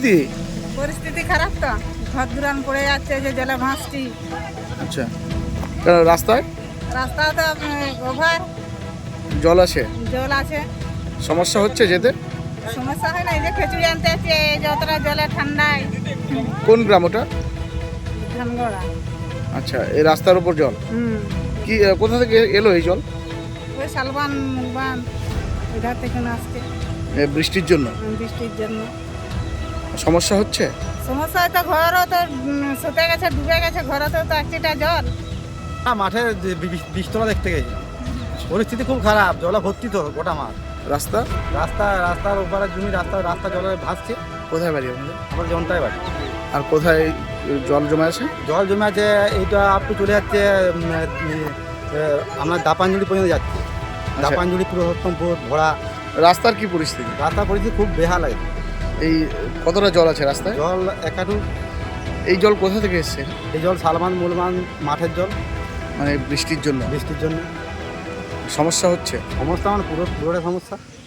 পরিস্থিতি? পরিস্থিতি খারাপ তো, ঘর দুরান পড়ে যাচ্ছে, যে জলে ভাসছি। আচ্ছা, কেন রাস্তায় রাস্তা তো ওভার জল আছে, জল আছে, সমস্যা হচ্ছে যেতে? সমস্যা হয় না। এই যে খিচুড়ি আনতে আছে, যতটা জলে ঠান্ডায়। কোন গ্রাম ওটা? ধানগড়া। আচ্ছা, এই রাস্তার উপর জল কি কোথা থেকে এলো এই জল? ওই শালবান মুখবান ওইধার থেকে আসছে বৃষ্টির জন্য বৃষ্টির জন্য। সমস্যা হচ্ছে? সমস্যা হয়তো ঘরও তো শুতে গেছে, ডুবে গেছে, ঘরেতেও তো একটা জল। মাঠে বৃষ্টিটা দেখতে গেছি, পরিস্থিতি খুব খারাপ, জলে ভর্তি তো গোটা মাঠ। রাস্তা রাস্তার ওপারে জমি, রাস্তা জলে ভাসছে। কোথায় বাড়ি আপনাদের? আমার জনটাই বাড়ি। আর কোথায় জল জমা আছে? জল জমে আছে, এইটা আপটু চলে যাচ্ছে আপনার দাপাঞ্জলি পর্যন্ত যাচ্ছে। দাপাঞ্জলি পুরোত্তমপুর ভোড়া। রাস্তার কি পরিস্থিতি? রাস্তার পরিস্থিতি খুব বেহাল লাগে। এই কতটা জল আছে রাস্তায়? জল একাটু। এই জল কোথা থেকে এসছে? এই জল শালবান মুলবান মাঠের জল, মানে বৃষ্টির জন্য বৃষ্টির জন্য। সমস্যা হচ্ছে? সমস্যা মানে পুরোটা সমস্যা।